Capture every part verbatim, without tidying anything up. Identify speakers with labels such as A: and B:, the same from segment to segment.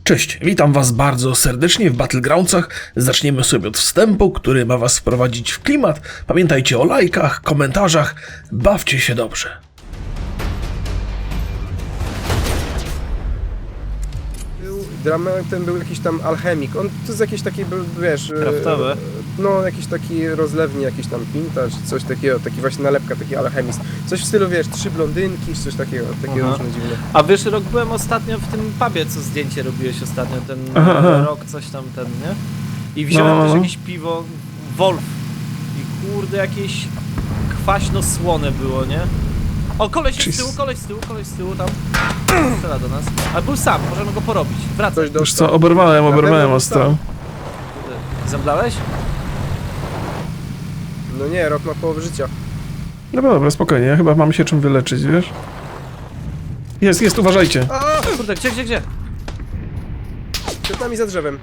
A: Cześć, witam was bardzo serdecznie w Battlegroundsach. Zaczniemy sobie od wstępu, który ma was wprowadzić w klimat. Pamiętajcie o lajkach, komentarzach, bawcie się dobrze.
B: Dramatem był jakiś tam alchemik. On to jest jakiś taki, był, wiesz...
C: Kraftowy?
B: E, no, jakiś taki rozlewni, jakiś tam pinta, czy coś takiego, taki właśnie nalepka, taki alchemizm. Coś w stylu, wiesz, trzy blondynki, czy coś takiego, takie
C: Aha.
B: różne dziwne.
C: A wiesz, rok byłem ostatnio w tym pubie, co zdjęcie robiłeś ostatnio, ten
A: Aha, aha.
C: rok, coś tam, ten, nie? I wziąłem
A: No, no,
C: też
A: no.
C: jakieś piwo, Wolf. I kurde, jakieś kwaśno-słone było, nie? O, koleś jest z tyłu, koleś z tyłu, koleś z tyłu tam. Strzela do nas. Ale był sam, możemy go porobić. Wracaj.
B: Coś
A: Wiesz
B: dostał.
A: co, oberwałem,
B: Na
A: oberwałem
B: pewno
A: ostro.
C: Kurde, zemdlałeś?
B: No nie, rok ma połowę życia.
A: Dobra, dobra, spokojnie, ja chyba mam się czym wyleczyć, wiesz? Jest, jest, uważajcie.
B: A!
C: Kurde, gdzie, gdzie, gdzie?
B: Przed nami za drzewem.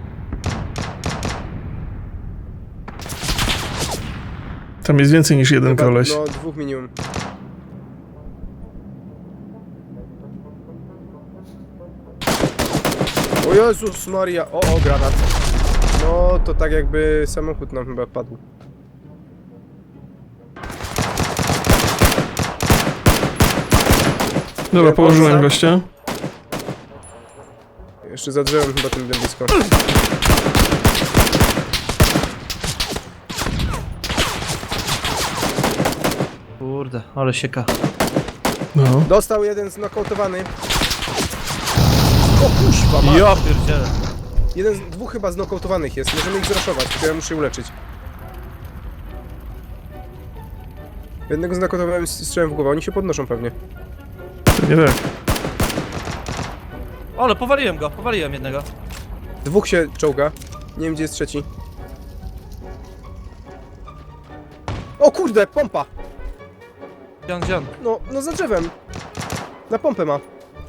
A: Tam jest więcej niż jeden
B: Chyba,
A: koleś.
B: No, dwóch minimum. O Jezus Maria, o, o, granat. No, to tak jakby samochód nam chyba padł.
A: Dobra,
B: Nie,
A: położyłem
B: poza-
A: gościa.
B: Jeszcze za drzewem chyba tym blisko.
C: Kurde, ale sieka.
A: No.
B: Dostał jeden znokautowany. O kuźwa, ma.
C: Ja pierdzielę.
B: Jeden z dwóch chyba znokautowanych jest. Możemy ich zraszować, tylko ja muszę się uleczyć. Jednego znokautowałem z strzałem w głowę, oni się podnoszą pewnie.
A: Nie tak.
C: Ale powaliłem go, powaliłem jednego.
B: Dwóch się czołga. Nie wiem gdzie jest trzeci. O kurde, pompa!
C: Gdzie on, gdzie on?
B: No, no za drzewem. Na pompę ma.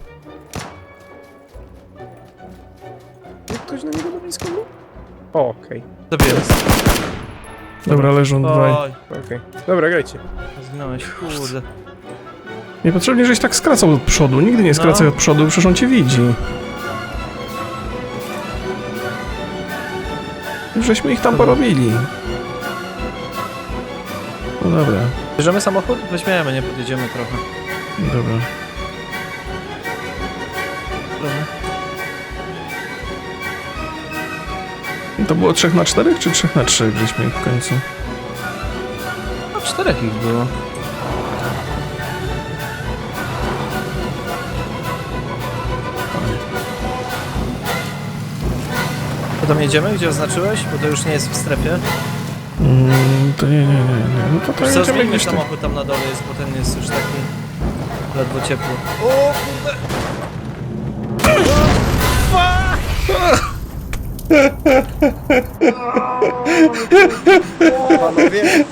B: Jak ktoś na niego na blisko był? O, okej.
C: Zabiłem.
A: Dobra, leżą dwaj.
C: Oj,
B: Okej. Dobra, grajcie.
C: zginąłeś, kurde.
A: Niepotrzebnie, żeś tak skracał od przodu. Nigdy nie skracaj
C: No.
A: od przodu, przecież on cię widzi. Już żeśmy ich tam porobili. No dobra,
C: Bierzemy samochód? Weźmiemy, nie podjedziemy trochę.
A: dobra.
C: Dobra.
A: I to było trzech na czterech, czy trzech na trzech żeśmy ich w końcu?
C: No czterech ich było. To tam jedziemy, gdzie oznaczyłeś? Bo to już nie jest w strefie.
A: Mm, to nie, nie, nie, nie. No to to
C: Co,
A: jedziemy
C: zmieńmy
A: gdzieś tam.
C: samochód tam na dole jest, bo ten jest już taki ledwo ciepły. O kurde!
B: Panowie,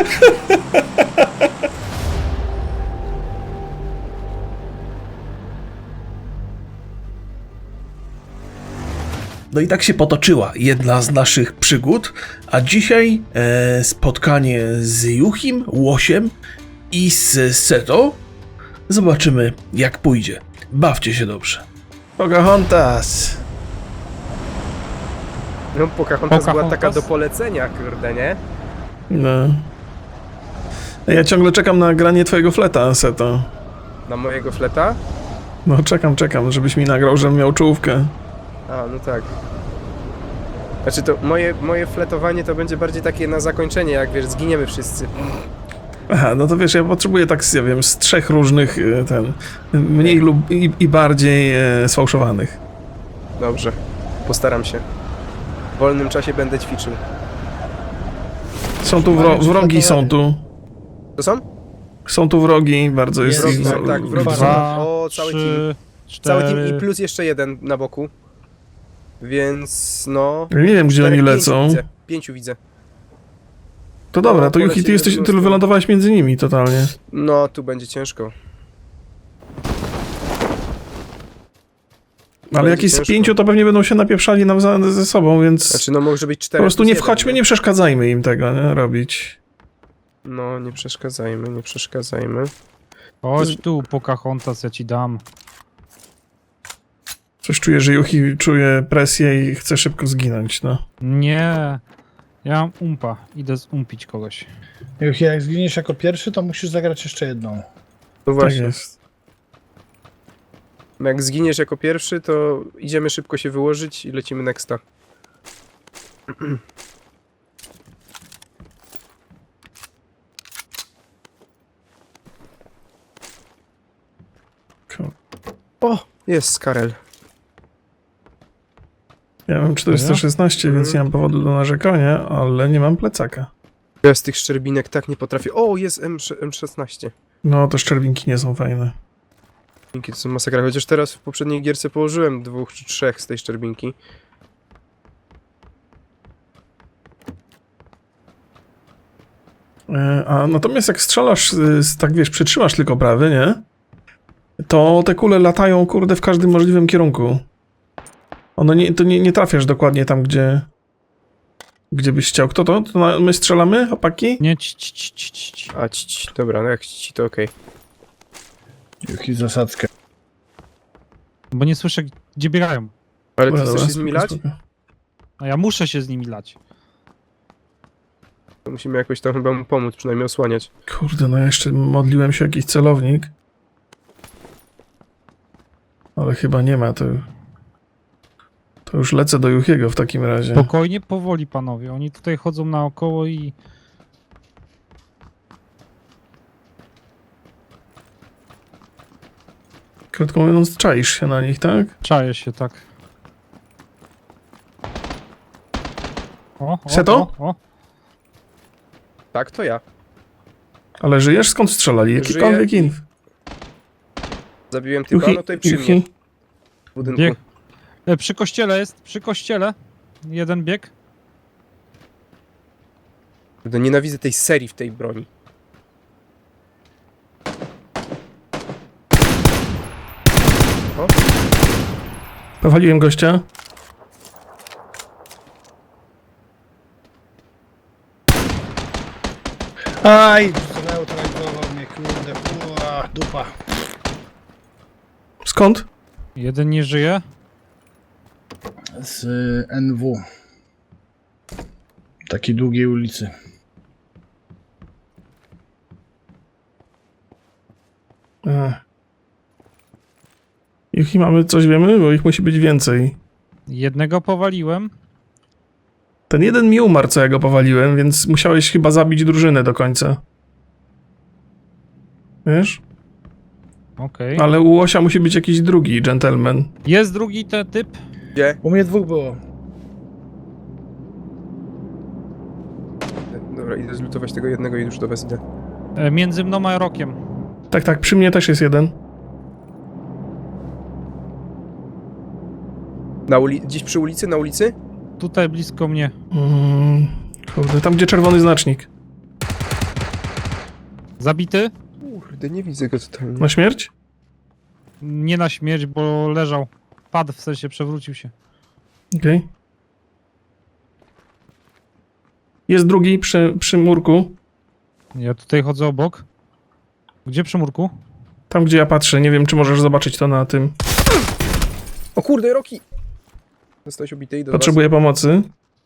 A: No i tak się potoczyła jedna z naszych przygód, a dzisiaj e, spotkanie z Juchim, Łosiem i z Seto. Zobaczymy jak pójdzie. Bawcie się dobrze. Pocahontas.
B: no Pocahontas była taka
C: Pocahontas?
B: do polecenia, kurde, nie?
A: No. Ja ciągle czekam na granie twojego fleta, Seto.
B: Na mojego fleta?
A: No czekam, czekam, żebyś mi nagrał, żebym miał czołówkę.
B: A, no tak. Znaczy to moje, moje fletowanie to będzie bardziej takie na zakończenie, jak wiesz, zginiemy wszyscy.
A: Aha, no to wiesz, ja potrzebuję tak, ja wiem, z trzech różnych, e, ten, mniej lub i, i bardziej e, sfałszowanych.
B: Dobrze, postaram się. W wolnym czasie będę ćwiczył.
A: Są tu wro wrogi, są tu.
B: To są?
A: Są tu wrogi, bardzo jest
B: Wrogi,
A: ich...
B: tak, tak, wrogi są.
D: Dwa,
B: O, cały team.
D: trzy,
B: Cały team i
D: cztery.
B: plus jeszcze jeden na boku. Więc no...
A: Ja nie wiem, gdzie
B: cztery,
A: oni
B: pięciu
A: lecą.
B: Widzę. Pięciu widzę.
A: To dobra,
B: No,
A: to Juchi,
B: polecimy
A: ty jesteś,
B: po
A: ty
B: prostu.
A: wylądowałeś między nimi totalnie.
B: No, tu będzie ciężko.
A: Ale jak jest z
B: ciężko.
A: pięciu, to pewnie będą się napieprzali nawzajem ze sobą, więc
B: Znaczy, no może być
A: po
B: cztery.
A: prostu
B: plus
A: nie
B: jeden,
A: wchodźmy, nie przeszkadzajmy im tego, nie, robić.
B: No, nie przeszkadzajmy, nie przeszkadzajmy.
D: Chodź tu, Pocahontas, ja ci dam.
A: Coś czuję, że Juchi czuje presję i chce szybko zginąć, no.
D: Nie. Ja mam umpa. Idę zumpić kogoś.
E: Juchi, jak zginiesz jako pierwszy, to musisz zagrać jeszcze jedną.
B: No
A: Tak
B: właśnie.
A: jest.
B: Jak zginiesz jako pierwszy, to idziemy szybko się wyłożyć i lecimy nexta.
A: Cool.
B: O! Jest Skarel.
A: Ja mam czterysta szesnaście,
B: Mhm.
A: więc nie mam powodu do narzekania, ale nie mam plecaka.
B: Ja z tych szczerbinek tak nie potrafię. O, jest M szesnaście.
A: No, te szczerbinki nie są fajne.
B: Szczerbinki to są masakra. Chociaż teraz w poprzedniej gierce położyłem dwóch czy trzech z tej szczerbinki.
A: E, A natomiast jak strzelasz, y, z- tak wiesz, przytrzymasz tylko prawy, nie? To te kule latają, kurde, w każdym możliwym kierunku. One nie, to nie, nie trafiasz dokładnie tam, gdzie... Gdzie byś chciał. Kto to? To na, my strzelamy, chłopaki?
D: Nie, ci, ci, ci, ci, ci, ci.
B: A ci, ci, dobra, no jak ci to okej.
E: Juchi, zasadzkę.
D: Bo nie słyszę, gdzie biegają.
B: Ale ty
A: Dobra,
B: chcesz
A: dobra,
B: się z nimi
A: spoko,
B: lać?
A: spoko.
D: A ja muszę się z nimi lać.
B: To musimy jakoś tam chyba mu pomóc, przynajmniej osłaniać.
A: Kurde, no ja jeszcze modliłem się o jakiś celownik. Ale chyba nie ma, to... To już lecę do Juchiego w takim razie.
D: Spokojnie, powoli, panowie. Oni tutaj chodzą naokoło i...
A: Krótko mówiąc, czaisz się na nich, tak?
D: Czaję się, tak. O, o,
A: Seto?
D: o, o.
B: Tak, to ja.
A: Ale żyjesz? Skąd strzelali? Jakikolwiek
B: Żyję.
A: inf.
B: Zabiłem typa, no to i przy mnie. W budynku.
D: Bieg. E, przy kościele jest, przy kościele. Jeden bieg.
B: Kurde, nienawidzę tej serii w tej broni.
A: Powaliłem gościa.
E: Aj, zneutralizował mnie, kurde. Ua, dupa.
A: Skąd?
D: Jeden nie żyje.
E: Z y, N W. Takiej długiej ulicy.
A: Ech. Juchi, mamy coś wiemy? Bo ich musi być więcej.
D: Jednego powaliłem.
A: Ten jeden mi umarł, co ja go powaliłem, więc musiałeś chyba zabić drużynę do końca. Wiesz?
D: Okej.
A: Ale u Łosia musi być jakiś drugi gentleman.
D: Jest drugi ten typ.
B: Gdzie?
E: U mnie dwóch było.
B: Dobra, idę zlutować tego jednego i już do was idę.
D: E, między mną a Rokiem.
A: Tak, tak, przy mnie też jest jeden.
B: Na uli gdzieś przy ulicy? Na ulicy?
D: Tutaj blisko mnie.
A: Mm, kurde, tam gdzie czerwony znacznik.
D: Zabity?
B: Kurde, nie widzę go totalnie.
A: Na śmierć?
D: Nie na śmierć, bo leżał. Padł, w sensie przewrócił się.
A: Okej. Jest drugi przy, przy murku.
D: Ja tutaj chodzę obok. Gdzie przy murku?
A: Tam gdzie ja patrzę, nie wiem czy możesz zobaczyć to na tym.
B: O kurde, Roki! Zostałeś obity i do
A: Potrzebuję pomocy.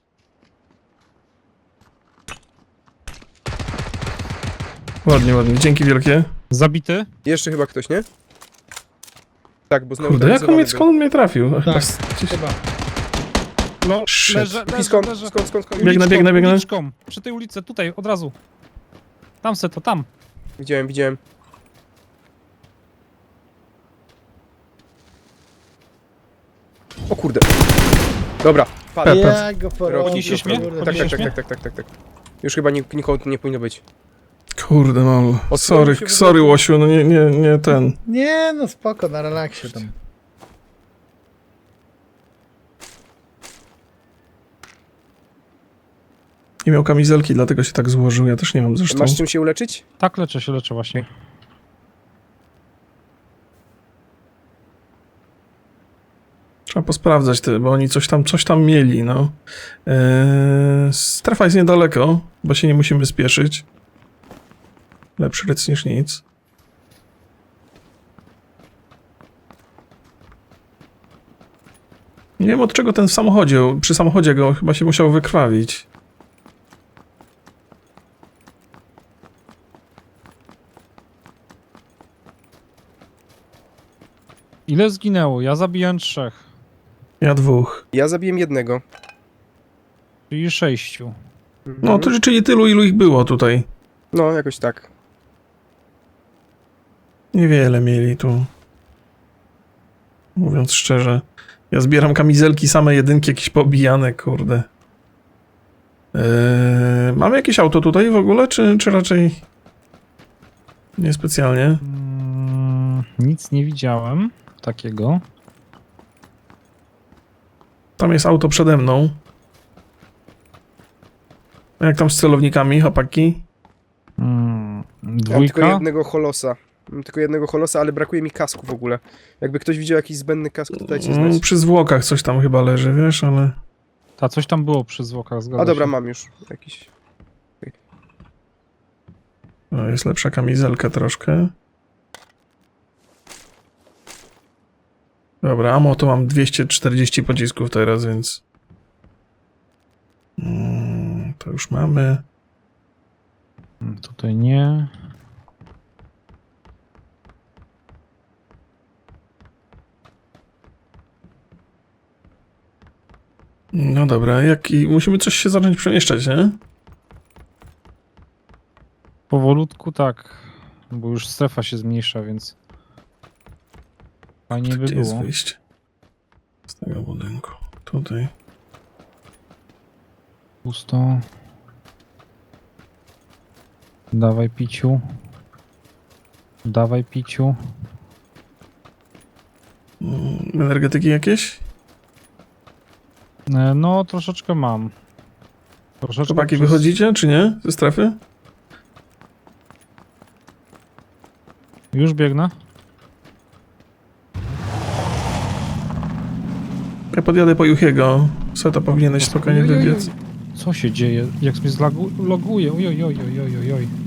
A: Ładnie, ładnie, dzięki wielkie.
D: Zabity?
B: was. Jeszcze chyba ktoś, nie? Tak, bo znowu
A: Kurde, jak on mnie, skąd on mnie trafił? Chyba
E: Tak,
A: z- gdzieś...
E: chyba.
D: No,
A: Shit.
D: leżę, leżę,
B: Skąd,
D: leżę.
B: skąd, skąd, skąd?
A: Biegnę,
D: Uliczką,
A: biegnę, biegnę.
D: uliczką. Przy tej ulicy, tutaj, od razu. Tam se to, tam.
B: Widziałem, widziałem. O kurde. Dobra, padł.
A: Pep.
E: Ja go
B: Roki,
E: porobię.
D: Podniesiesz mnie?
E: kurde.
B: Tak, tak,
D: Podniesiesz
B: tak,
D: mnie?
B: tak, tak, tak, tak, tak. Już chyba nik nikogo tu nie powinno być.
A: Kurde, no.
B: Osłonił
A: Sorry,
B: się w
A: sorry
B: ogóle.
A: Łosiu, no nie, nie, nie ten.
E: Nie, no spoko, na relaksie tam.
A: Nie miał kamizelki, dlatego się tak złożył, ja też nie mam zresztą.
B: Masz czym się uleczyć?
D: Tak, leczę się, leczę właśnie.
A: Trzeba posprawdzać te, bo oni coś tam, coś tam mieli, no. Eee, strefa jest niedaleko, bo się nie musimy spieszyć. Lepszy rec niż nic. Nie wiem od czego ten w samochodzie, przy samochodzie go chyba się musiał wykrwawić.
D: Ile zginęło? Ja zabiłem trzech,
A: Ja dwóch.
B: Ja zabiłem jednego.
D: czyli sześciu.
A: No to czyli tylu, ilu ich było tutaj.
B: No, jakoś tak.
A: Niewiele mieli tu. Mówiąc szczerze. Ja zbieram kamizelki, same jedynki, jakieś pobijane, kurde. Eee, mamy jakieś auto tutaj w ogóle, czy, czy raczej niespecjalnie?
D: Mm, nic nie widziałem takiego.
A: Tam jest auto przede mną. A jak tam z celownikami, chłopaki?
D: Mm,
B: Mam tylko
D: dwójka.
B: jednego holosa. Mam tylko jednego holosa, ale brakuje mi kasku w ogóle. Jakby ktoś widział jakiś zbędny kask, to dajcie
A: Mm,
B: znać.
A: przy zwłokach coś tam chyba leży, wiesz, ale...
D: Ta coś tam było przy zwłokach, zgadza
B: A dobra,
D: się.
B: mam już jakiś.
A: No, jest lepsza kamizelka troszkę. Dobra, amo to mam dwieście czterdzieści pocisków teraz, więc... Mm, to już mamy.
D: Mm, Tutaj nie.
A: No dobra, jak i musimy coś się zacząć przemieszczać, nie?
D: Powolutku tak, bo już strefa się zmniejsza, więc fajnie by
A: Gdzie jest
D: było.
A: wyjście? Z tego budynku. Tutaj.
D: Pusto. Dawaj piciu. Dawaj piciu.
A: Mm, energetyki jakieś?
D: E, No, troszeczkę mam. Troszeczkę
A: Chłopaki,
D: przez-
A: wychodzicie, czy nie? Ze strefy?
D: Już biegnę.
A: Ja podjadę po Juchiego. Seto powinieneś spokojnie
D: Oj, oj, oj.
A: wybiec.
D: Co się dzieje? Jak mnie zloguje? Oj, oj, oj, oj, oj, oj.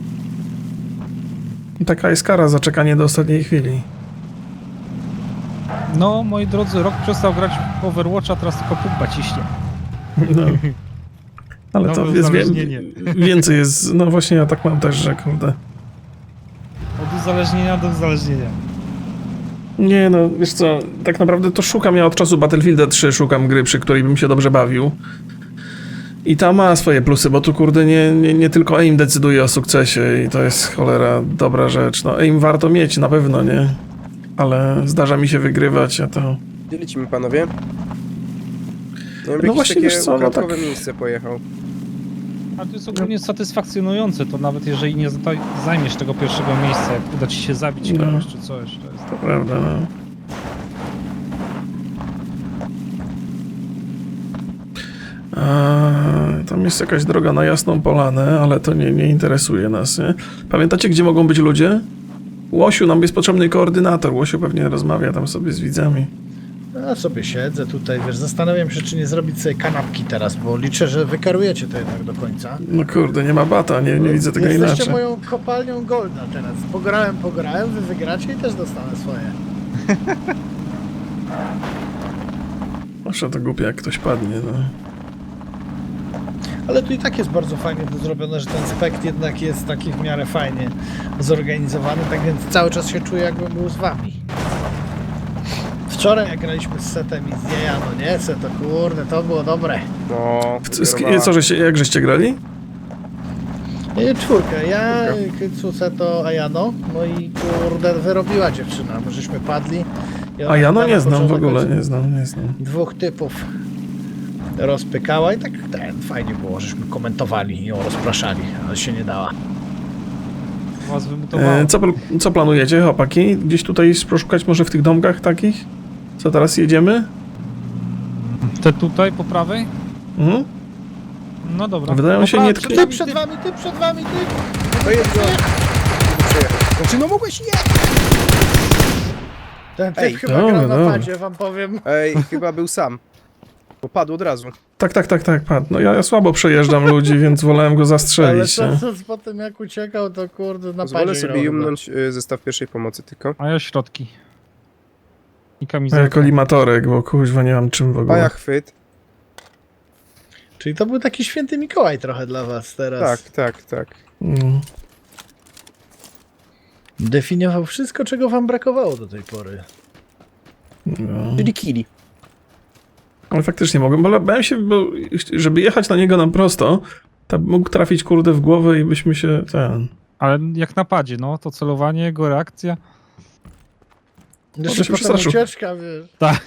A: I taka jest kara za czekanie do ostatniej chwili.
D: No, moi drodzy, rok przestał grać w Overwatcha, teraz tylko pumpa ciśnie.
A: No. Ale
D: Nowe
A: to jest wie,
D: uzależnienie.
A: więcej jest. No właśnie ja tak mam też, że kurde.
D: Od uzależnienia do uzależnienia.
A: Nie no, wiesz co, tak naprawdę to szukam, ja od czasu Battlefielda trzy szukam gry, przy której bym się dobrze bawił. I ta ma swoje plusy, bo tu kurde nie, nie, nie tylko aim decyduje o sukcesie i to jest cholera dobra rzecz. No aim warto mieć, na pewno, nie? Ale zdarza mi się wygrywać, a to...
B: Gdzie lecimy, panowie? Ja bym
A: No
B: jakieś
A: właśnie,
B: takie
A: wiesz co, no
B: ukradkowe
A: tak-
B: miejsce pojechał.
D: A to jest ogólnie satysfakcjonujące, to nawet jeżeli nie zda- zajmiesz tego pierwszego miejsca, jak uda ci się zabić
A: No.
D: kogoś czy coś, to jest...
A: To prawda, no. A, tam jest jakaś droga na Jasną Polanę, ale to nie, nie interesuje nas, nie? Pamiętacie, gdzie mogą być ludzie? Łosiu, nam jest potrzebny koordynator. Łosiu pewnie rozmawia tam sobie z widzami.
E: Ja sobie siedzę tutaj, wiesz, zastanawiam się, czy nie zrobić sobie kanapki teraz, bo liczę, że wykarujecie to jednak do końca.
A: No kurde, nie ma bata, nie, nie widzę tego
E: Jesteście
A: inaczej.
E: moją kopalnią Golda teraz. Pograłem, pograłem, wy wygracie i też dostanę swoje.
A: Proszę, to głupie jak ktoś padnie, no.
E: Ale tu i tak jest bardzo fajnie to zrobione, że ten spekt jednak jest taki w miarę fajnie zorganizowany, tak więc cały czas się czuję, jakbym był z wami. Wczoraj jak graliśmy z Setem i z Jejano, nie? Seto, kurde, to było dobre.
B: No,
A: W- z-
B: wyrwała.
A: Co, żeście, jak żeście grali?
E: I czwórkę, ja, Kycu, Seto, Ajano, no i kurde, wyrobiła dziewczyna, bo żeśmy padli. I ona
A: A ja no
E: na
A: nie znam w
E: początek
A: ogóle, nie znam, nie znam.
E: dwóch typów rozpykała i tak ten, fajnie było, żeśmy komentowali i ją rozpraszali, ale się nie dała.
D: Was wymutowało.
A: E, co, pl- co planujecie, chłopaki? Gdzieś tutaj poszukać może w tych domkach takich? Co teraz jedziemy?
D: Te tutaj, po prawej?
A: Mhm.
D: No dobra.
A: Wydają
D: Po
A: się
D: pra-
A: nie-
D: przed
E: Ty
D: nami,
E: przed
D: ty-
E: wami, ty przed wami, ty!
B: To jest go. Przejechał. Znaczy, no mogłeś nie!
E: Ten typ
B: Ej,
E: chyba
A: dobra,
E: gra na
A: dobra.
E: padzie, wam powiem.
B: Ej, chyba był sam. Bo padł od razu.
A: Tak, tak, tak, tak, padł. No ja, ja słabo przejeżdżam ludzi, więc wolałem go
E: Ale
A: zastrzelić.
E: co,
A: nie?
E: co po tym jak uciekał, to kurde na
B: Pozwolę
E: padzie
B: sobie
E: grał
B: jumnąć y, zestaw pierwszej pomocy tylko.
D: A ja środki. I
A: A
D: kamizelkę.
A: ja kolimatorek, bo kuźwa nie mam czym w ogóle.
B: Paja chwyt.
E: Czyli to był taki święty Mikołaj trochę dla was teraz.
B: Tak, tak, tak.
A: Mm.
E: Definiował wszystko, czego wam brakowało do tej pory.
A: No.
B: Czyli kili.
A: Ale faktycznie mogłem, bo bałem się, bo żeby jechać na niego na prosto, to mógł trafić kurde w głowę i byśmy się ten...
D: Ale jak napadzie, no, to celowanie, jego reakcja.
E: Jeszcze
A: się
E: potem
A: przestraszył.
E: ucieczka, wiesz.
D: Tak.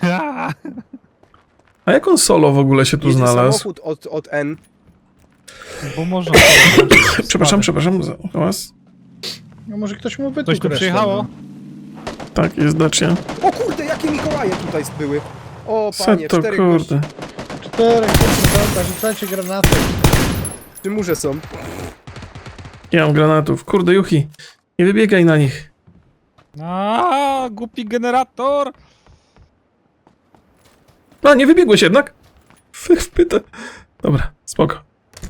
A: A jak on solo w ogóle się tu
B: Jedzie
A: znalazł?
B: samochód od, od N.
D: Bo można.
A: Przepraszam, przepraszam za was.
E: No może ktoś mu wytłukł
D: Coś tu
E: resztę,
D: przyjechało?
E: no.
A: Tak, jest Dacia.
B: O kurde, jakie Mikołaje tutaj były. O panie,
A: Co to
B: cztery
A: kurde?
B: gości
E: Cztery, kurwa, rzucajcie granaty.
B: przy murze są.
A: Nie mam granatów. Kurde, Juchi. Nie wybiegaj na nich.
D: A, głupi generator!
A: A, nie wybiegłeś jednak? Wpyta. Dobra, spoko.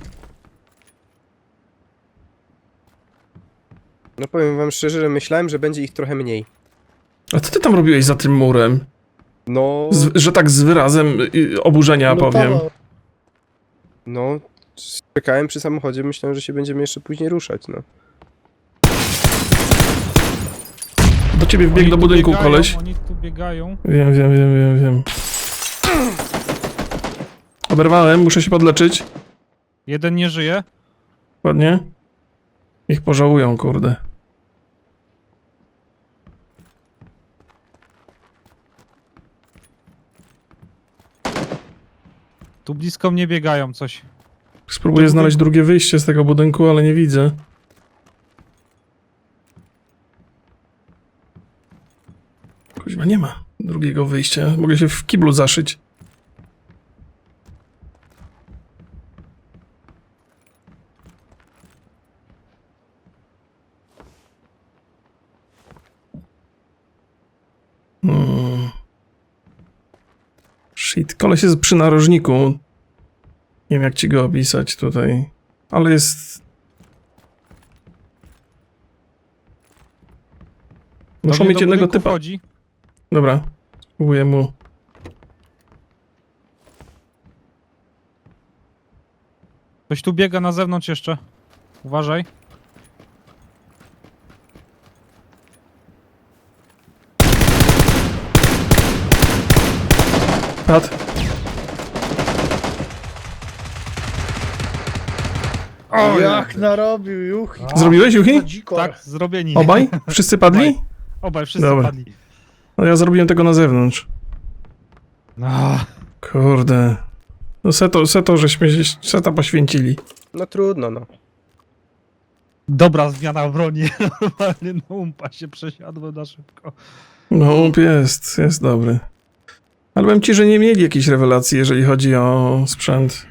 B: No powiem wam szczerze, że myślałem, że będzie ich trochę mniej.
A: A co ty tam robiłeś za tym murem?
B: No,
A: Z, że tak z wyrazem y, oburzenia powiem.
E: Lutował.
B: no, czekałem przy samochodzie, myślałem, że się będziemy jeszcze później ruszać, no.
A: Do ciebie wbiegł
D: Oni
A: do
D: tu
A: budynku
D: biegają,
A: koleś.
D: Oni tu biegają.
A: Wiem, wiem, wiem, wiem, wiem. Oberwałem, muszę się podleczyć.
D: Jeden nie żyje.
A: Ładnie. Ich pożałują, kurde.
D: Tu blisko mnie biegają coś.
A: Spróbuję znaleźć drugie wyjście z tego budynku, ale nie widzę. Kuźwa, nie ma drugiego wyjścia. Mogę się w kiblu zaszyć. Hmm. Shit, koleś jest przy narożniku. Nie wiem jak ci go opisać tutaj. Ale jest... Muszą
D: Do mnie
A: mieć
D: do
A: jednego
D: budynku
A: typa.
D: Wchodzi.
A: Dobra, spróbuję mu...
D: Ktoś tu biega na zewnątrz jeszcze. Uważaj.
A: Pat.
E: O, jak narobił, juch.
A: Zrobiłeś, Juchi?
E: To dziko.
D: Tak, zrobieni.
A: Obaj? Wszyscy padli?
D: Obaj, wszyscy
A: Dobra.
D: padli.
A: No ja zrobiłem tego na zewnątrz.
D: No.
A: Kurde. No seto, seto, żeśmy się seta poświęcili.
B: No trudno, no.
D: Dobra zmiana broni. Normalnie na umpa się przesiadło na szybko.
A: No łup jest, jest dobry. Ale powiem ci, że nie mieli jakiejś rewelacji, jeżeli chodzi o sprzęt.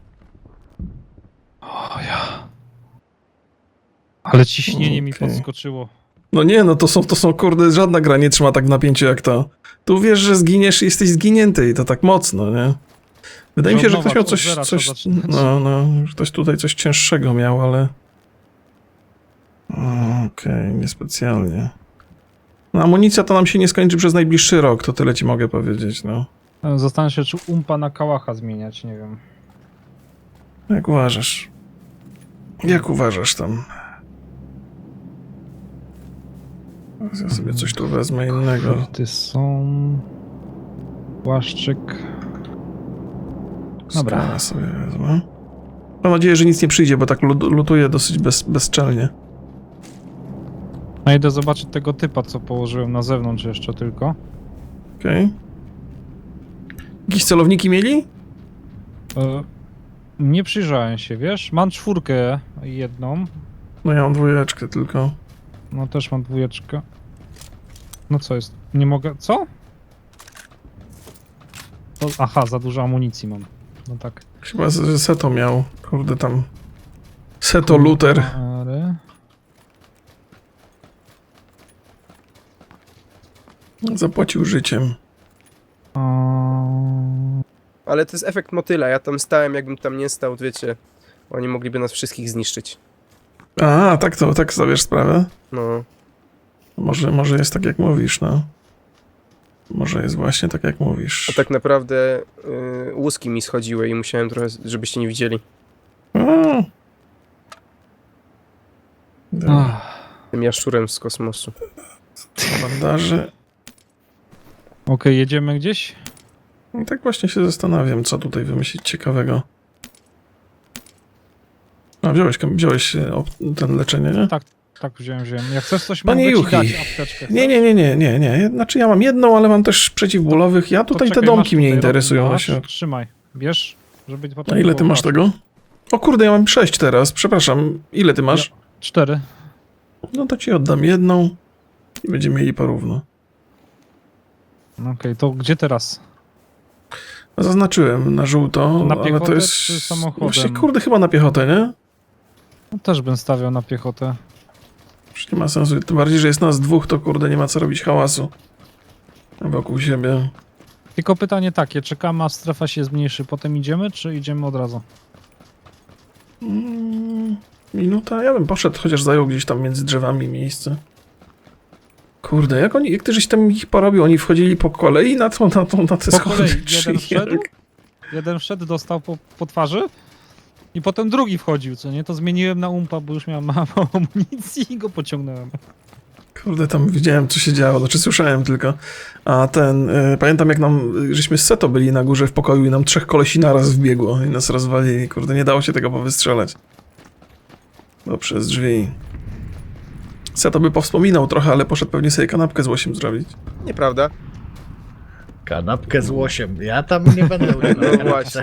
D: O ja. Ale ciśnienie mi
A: Okej.
D: podskoczyło.
A: No nie, no to są, to są kurde, żadna gra nie trzyma tak w napięciu jak to. Tu wiesz, że zginiesz i jesteś zginięty i to tak mocno, nie? Wydaje mi się, że
D: Od
A: ktoś
D: nowa,
A: miał
D: od
A: coś,
D: zera
A: coś,
D: trzeba zaczynać.
A: no, no, że ktoś tutaj coś cięższego miał, ale... O, Okej, niespecjalnie. No amunicja to nam się nie skończy przez najbliższy rok, to tyle ci mogę powiedzieć, no.
D: Zastanawiam się, czy umpa na kałacha zmieniać, nie wiem.
A: Jak uważasz? Jak uważasz tam? Ja sobie coś tu wezmę innego.
D: Ty są... Płaszczyk. Dobra.
A: Skana sobie wezmę. Mam nadzieję, że nic nie przyjdzie, bo tak lut- lutuję dosyć bez, bezczelnie.
D: No idę zobaczyć tego typa, co położyłem na zewnątrz jeszcze tylko.
A: Okej. Okay. Jakieś celowniki mieli?
D: E, nie przyjrzałem się, wiesz? Mam czwórkę jedną.
A: No ja mam dwójeczkę tylko.
D: No też mam dwójeczkę. No co jest? Nie mogę... Co? To, aha, za dużo amunicji mam. No tak.
A: Chyba, że Seto miał. Kurde tam. Seto Luther.
D: Ale...
A: Zapłacił życiem.
D: A...
B: Ale to jest efekt motyla, ja tam stałem, jakbym tam nie stał, wiecie. Oni mogliby nas wszystkich zniszczyć.
A: A, tak to, tak stawiasz sprawę?
B: No.
A: Może, może jest tak jak mówisz, no. Może jest właśnie tak, jak mówisz.
B: A tak naprawdę y, łuski mi schodziły i musiałem trochę, żebyście nie widzieli.
A: A. Dobra.
D: Ach,
B: Tym jaszczurem z kosmosu.
A: Bandaże.
D: Okej, jedziemy gdzieś?
A: No tak właśnie się zastanawiam, co tutaj wymyślić ciekawego. A, wziąłeś, wziąłeś e, op- ten leczenie, nie?
D: Tak, tak wziąłem, wziąłem. Jak chcesz coś,
A: Panie
D: mogę ci
A: Juchi.
D: dać apteczkę.
A: Nie, nie, nie, nie, nie, nie. Znaczy ja mam jedną, ale mam też przeciwbólowych. Ja
D: To
A: tutaj te
D: czekaj,
A: domki
D: masz
A: mnie
D: tutaj,
A: interesują
D: masz,
A: właśnie.
D: Trzymaj, bierz, żeby potem...
A: A ile ty
D: było
A: masz
D: łatwiej.
A: tego? O kurde, ja mam sześć teraz. Przepraszam. Ile ty masz?
D: Cztery.
A: No to ci oddam jedną i będziemy mieli porówno.
D: Okej, to gdzie teraz?
A: Zaznaczyłem na żółto,
D: Na
A: ale
D: piechotę
A: to jest...
D: czy samochodem?
A: Właśnie, kurde, chyba na piechotę, nie?
D: No, też bym stawiał na piechotę.
A: Już nie ma sensu. Tym bardziej, że jest nas dwóch, to kurde, nie ma co robić hałasu wokół siebie.
D: Tylko pytanie takie, czekamy, a strefa się zmniejszy, potem idziemy, czy idziemy od razu?
A: Mm, minuta? Ja bym poszedł, chociaż zajął gdzieś tam między drzewami miejsce. Kurde, jak oni, jak ty żeś tam ich porobił? Oni wchodzili po kolei na, to, na, to, na te
D: Po
A: schody?
D: kolei,
A: czy
D: jeden wszedł,
A: jak?
D: jeden wszedł, dostał po, po twarzy i potem drugi wchodził, co nie? To zmieniłem na umpa, bo już miałem mało amunicji i go pociągnąłem.
A: Kurde, tam widziałem, co się działo, znaczy słyszałem tylko. A ten, y, pamiętam jak nam, y, żeśmy z Seto byli na górze w pokoju i nam trzech kolesi naraz wbiegło i nas rozwalili. Kurde, nie dało się tego powystrzelać. Bo przez drzwi. Seto by powspominał trochę, ale poszedł pewnie sobie kanapkę z łosiem zrobić.
B: Nieprawda?
E: Kanapkę z łosiem. Ja tam nie będę udzielał.
B: No właśnie.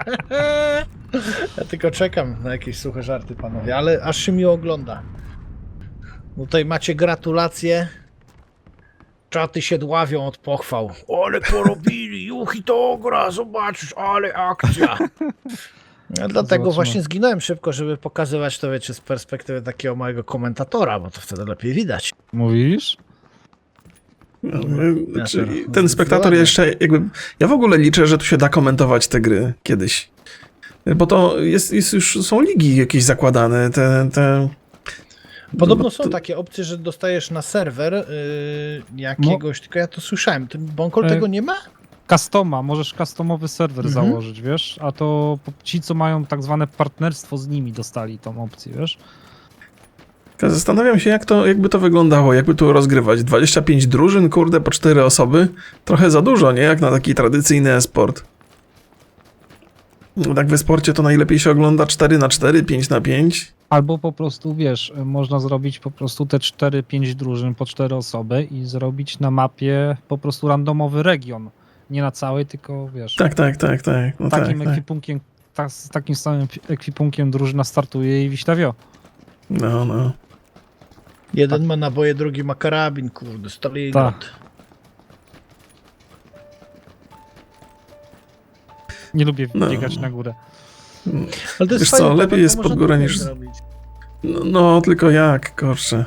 E: Ja tylko czekam na jakieś suche żarty, panowie, ale aż się mi ogląda. Tutaj macie gratulacje. Czaty się dławią od pochwał. Ale porobili, Juchi to gra, zobaczysz, ale akcja. Ja dlatego
D: Zobaczymy.
E: właśnie zginąłem szybko, żeby pokazywać to, wiecie, z perspektywy takiego małego komentatora, bo to wtedy lepiej widać.
D: Mówisz?
A: No, my, znaczy,
E: Ja to-
A: ten
E: zdecydowanie.
A: spektator jeszcze jakby... Ja w ogóle liczę, że tu się da komentować te gry kiedyś. Bo to jest, jest już, są ligi jakieś zakładane, te... te...
E: Podobno
A: No,
E: są
A: to-
E: takie opcje, że dostajesz na serwer yy, jakiegoś, tylko ja to słyszałem. Ty, Bonkol
D: E,
E: tego nie ma?
D: Customa, możesz customowy serwer
E: Mhm.
D: założyć, wiesz? A to po- ci, co mają tak zwane partnerstwo z nimi, dostali tą opcję, wiesz?
A: Zastanawiam się, jak to, jakby to wyglądało, jakby tu rozgrywać. dwadzieścia pięć drużyn, kurde, po cztery osoby. Trochę za dużo, nie? Jak na taki tradycyjny e-sport. No tak w e-sporcie to najlepiej się ogląda cztery na cztery, pięć na pięć.
D: Albo po prostu, wiesz, można zrobić po prostu te cztery pięć drużyn po cztery osoby i zrobić na mapie po prostu randomowy region. Nie na całej, tylko wiesz,
A: Tak, tak, tak, tak. No
D: takim
A: tak, tak.
D: ekwipunkiem, ta, z takim samym ekwipunkiem drużyna startuje i wiśtawio.
A: No, no.
E: Jeden ma naboje, drugi ma karabin, kurde, Stalingrad.
D: Nie lubię
A: No.
D: biegać na górę.
E: Ale to jest
A: Wiesz co,
E: fajne, to-
A: lepiej
E: to
A: jest
E: można
A: pod górę
E: tutaj
A: niż-
E: zrobić.
A: No, no, tylko jak, kurczę.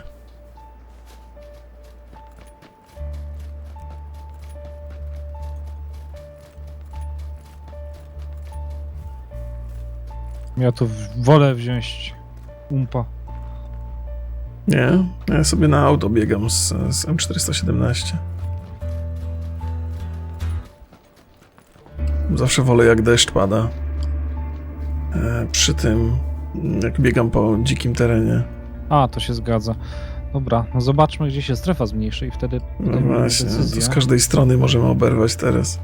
D: Ja tu wolę wziąć umpa.
A: Nie? Ja sobie na auto biegam z, z M czterysta siedemnaście. Zawsze wolę, jak deszcz pada. E, przy tym, jak biegam po dzikim terenie.
D: A, to się zgadza. Dobra, no zobaczmy, gdzie się strefa zmniejszy i wtedy
A: No
D: podejmiemy
A: właśnie, to
D: decyzję.
A: z każdej strony możemy oberwać teraz.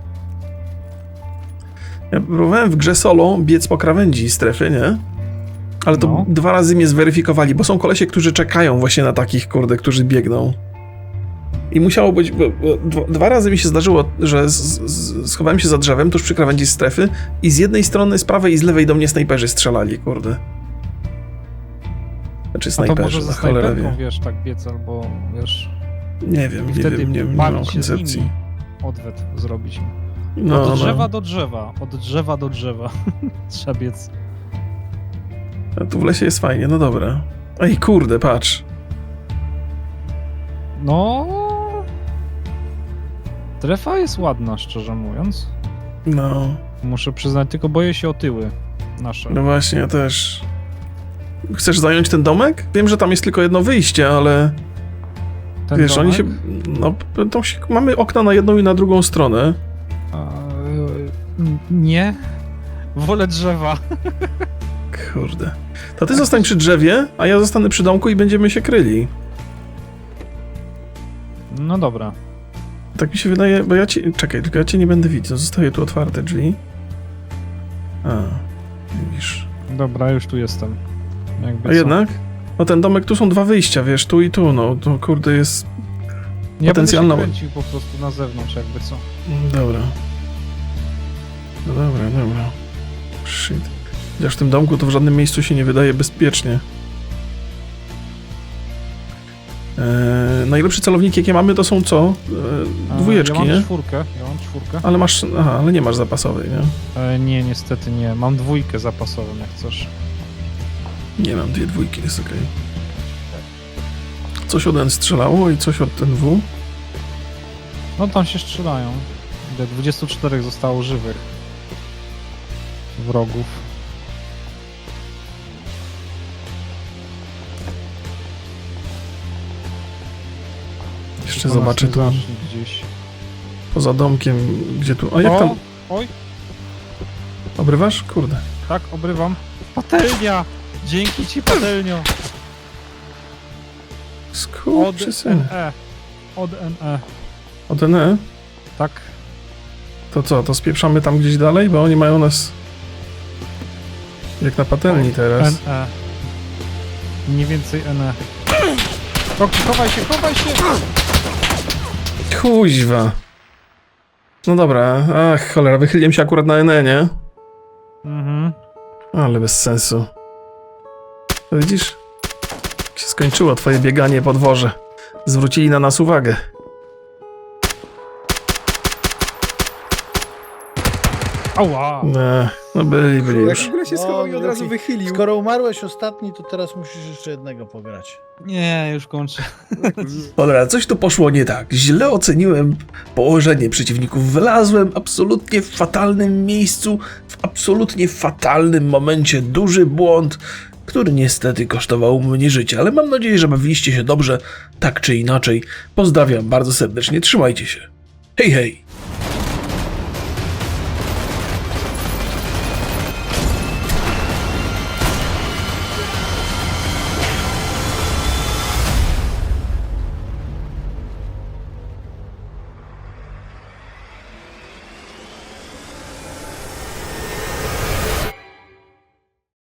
A: Ja próbowałem w grze solo biec po krawędzi strefy, nie? Ale to
D: No.
A: dwa razy mnie zweryfikowali, bo są kolesie, którzy czekają właśnie na takich, kurde, którzy biegną. I musiało być... Bo, bo, dwa, dwa razy mi się zdarzyło, że z, z, schowałem się za drzewem tuż przy krawędzi strefy i z jednej strony, z prawej i z lewej do mnie snajperzy strzelali, kurde. Znaczy
D: A to może
A: snajperzy,
D: ze
A: na cholerę
D: snajperką,
A: wie.
D: wiesz, tak biec, albo wiesz...
A: Nie wiem,
D: I
A: nie
D: wtedy
A: wiem, nie, nie
D: bawić
A: mam
D: się z
A: koncepcji.
D: nimi, odwet zrobić.
A: No,
D: Od drzewa
A: no.
D: do drzewa, od drzewa do drzewa. Trzeba biec.
A: A tu w lesie jest fajnie, no dobra. Ej, kurde, patrz.
D: No... Strefa jest ładna, szczerze mówiąc.
A: No,
D: Muszę przyznać, tylko boję się o tyły nasze.
A: no właśnie, ja też. Chcesz zająć ten domek? Wiem, że tam jest tylko jedno wyjście, ale...
D: Ten
A: Wiesz, oni
D: domek?
A: się... No, to się, mamy okna na jedną i na drugą stronę.
D: A, y, nie. Wolę drzewa.
A: Kurde. To ty zostań przy drzewie, a ja zostanę przy domku i będziemy się kryli.
D: No dobra.
A: Tak mi się wydaje, bo ja cię... Czekaj, tylko ja cię nie będę widział. Zostawię tu otwarte drzwi. A, widzisz.
D: Dobra, już tu jestem. Jakby
A: A
D: co.
A: jednak? No ten domek, tu są dwa wyjścia, wiesz, tu i tu, no. To kurde jest...
D: Ja
A: potencjalna-
D: będę się kręcił po prostu na zewnątrz, jakby co.
A: Dobra. No dobra, dobra. Shit. Chociaż w tym domku to w żadnym miejscu się nie wydaje bezpiecznie. Eee, najlepsze celowniki jakie mamy to są co? Eee,
D: A,
A: dwójeczki,
D: ja mam
A: nie?
D: czwórkę, ja mam czwórkę.
A: Ale masz... Aha, ale nie masz zapasowej, nie?
D: E, nie, niestety nie. Mam dwójkę zapasową, jak chcesz.
A: Nie mam dwie dwójki, jest okej. Coś od N strzelało i coś od N W.
D: No tam się strzelają. Ile? dwadzieścia cztery zostało żywych. Wrogów.
A: Jeszcze
D: Tylko nas
A: zobaczę
D: nie
A: tu
D: zacznie gdzieś.
A: poza domkiem, gdzie tu... A jak
D: O!
A: tam...
D: Oj,
A: Obrywasz? Kurde.
D: tak, obrywam. Patelnia! Dzięki ci, patelnio! Od
A: Skurczysyn.
D: N E. Od N E.
A: Od N E?
D: Tak.
A: To co, to spieprzamy tam gdzieś dalej? Bo oni mają nas... Jak na patelni teraz.
D: N E. Mniej więcej N E. Roki, chowaj się, chowaj się!
A: Kuźwa. No dobra, ach cholera, wychyliłem się akurat na N E, nie?
D: Mhm.
A: Ale bez sensu. To widzisz? Jak się skończyło twoje bieganie po dworze. Zwrócili na nas uwagę.
D: Ała!
A: No, no byli, byli
B: Jak
A: już.
B: w ogóle się
E: No,
B: schował i od razu
E: Yuki,
B: wychylił.
E: Skoro umarłeś ostatni, to teraz musisz jeszcze jednego pograć.
D: Nie, już kończę.
A: Dobra, coś tu poszło nie tak. Źle oceniłem położenie przeciwników. Wylazłem absolutnie w fatalnym miejscu, w absolutnie fatalnym momencie. Duży błąd, który niestety kosztował mnie życie. Ale mam nadzieję, że bawiliście się dobrze, tak czy inaczej. Pozdrawiam bardzo serdecznie, trzymajcie się. Hej, hej!